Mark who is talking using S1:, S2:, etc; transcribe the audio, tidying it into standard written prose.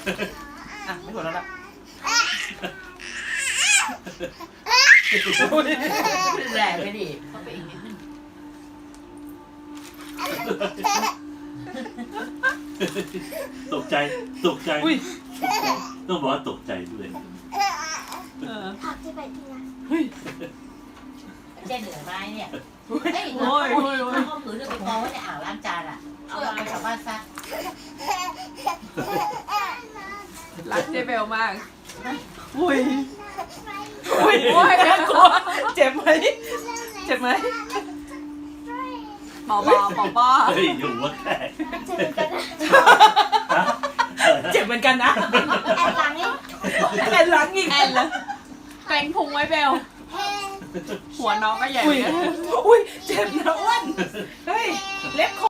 S1: อ่ะไม่หัวเราะละ
S2: แรงไปดิเข้าไปอีกนิดนึง
S3: ตกใจต้องบอกว่าตกใจด้วย
S4: ผักที่ไปที่นะ
S2: เจ๊เหนื่อยไหมเนี่ย
S1: โอ้ย
S2: ถ้าเขาผืนจะไปกองไว้ในอ่างล้างจานอ่ะช่วยเอาไปชาวบ้านซัก
S5: รักเจเบลมาก
S1: อุ้ยอุ้ยน่ากลัวเจ็บไหมเจ็บไหม
S5: หมอบอ
S3: เฮ้ยอยู่ว่าแค่
S1: เจ็บเหมือนกันนะ
S4: แอบหลังนี่
S1: แอนหลังอีก
S5: แอนเลยเกรงพุงไว้เบล
S4: เฮ้
S5: หัวน้องก็ใหญ่
S1: อุ้ย
S5: นะ
S1: อุ้ยเจ็บนะอ้วนเฮ้ยเล็บคอ